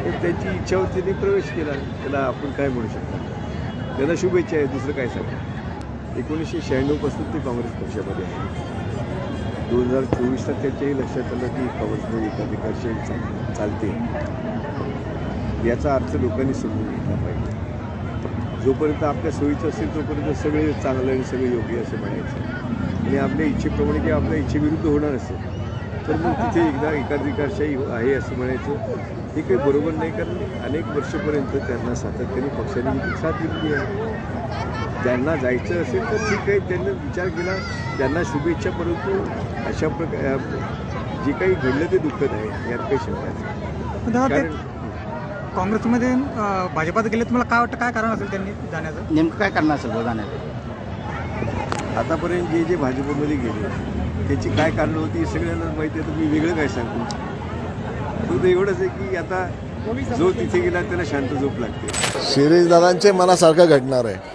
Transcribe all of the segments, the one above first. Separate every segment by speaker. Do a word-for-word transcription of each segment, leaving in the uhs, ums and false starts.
Speaker 1: तर त्यांची इच्छा होती त्यांनी प्रवेश केला. त्याला आपण काय म्हणू शकतो, त्यांना शुभेच्छा आहे, दुसरं काय सांगा. एकोणीसशे शहाण्णवपासून ते काँग्रेस पक्षामध्ये आहे. दोन हजार चोवीसला त्यांच्याही लक्षात आलं की काँग्रेसमध्ये एकाधिकारशी चाल चालते. याचा अर्थ लोकांनी समजून घेतला पाहिजे. जोपर्यंत आपल्या सोयीचं असेल तोपर्यंत सगळे चांगलं आणि सगळे योग्य असं म्हणायचं, आणि आपल्या इच्छेप्रमाणे किंवा आपल्या इच्छेविरुद्ध होणार असेल तर मग तिथे एकदा एकाधिकारशाही आहे असं म्हणायचं हे काही बरोबर नाही. कारण अनेक वर्षापर्यंत त्यांना सातत्याने पक्षाने साथ दिली आहे. त्यांना जायचं असेल तर ठीक आहे, त्यांनी विचार केला, त्यांना शुभेच्छा. परंतु अशा प्रकार जे काही घडलं ते दुःखद आहे, यात काही शंका नाही. कारण
Speaker 2: काँग्रेसमध्ये अं, भाजपात गेले, तुम्हाला काय वाटतं, काय कारण असेल त्यांनी जाण्याचं?
Speaker 3: नेमकं काय कारण असेल बघा जाण्याचं?
Speaker 1: आतापर्यंत जे जे भाजपमध्ये गेले त्याची काय कारणं होती हे सगळ्यांना माहिती आहे. तर मी वेगळं काय सांगतो. फक्त एवढंच आहे की आता जो तिथे गेला त्याला शांत झोप लागते.
Speaker 4: शिरीष दादांचे मनासारखं घडणार आहे.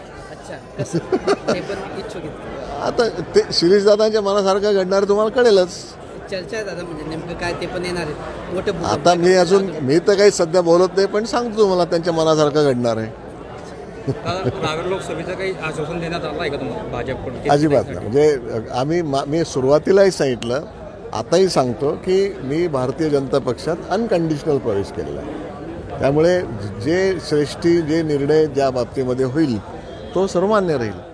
Speaker 4: आता ते शिरीष दादांच्या मनासारखं घडणार तुम्हाला कळेलच.
Speaker 5: चर्चा आहे दादा, म्हणजे नेमकं काय ते पण येणार आहे मोठे.
Speaker 4: आता मी अजून मी तर काही सध्या बोलत नाही, पण सांगतो तुम्हाला त्यांच्या मनासारखं घडणार आहे.
Speaker 6: नागर लोकसभेचं काही आश्वासन देण्यात आलं आहे का तुम्हाला भाजपकडून?
Speaker 4: अजिबात नाही. म्हणजे आम्ही मी सुरुवातीलाही सांगितलं, आताही सांगतो की मी भारतीय जनता पक्षात अनकंडिशनल प्रवेश केलेला आहे. त्यामुळे जे श्रेष्ठी जे निर्णय ज्या बाबतीमध्ये होईल तो सर्वमान्य राहील.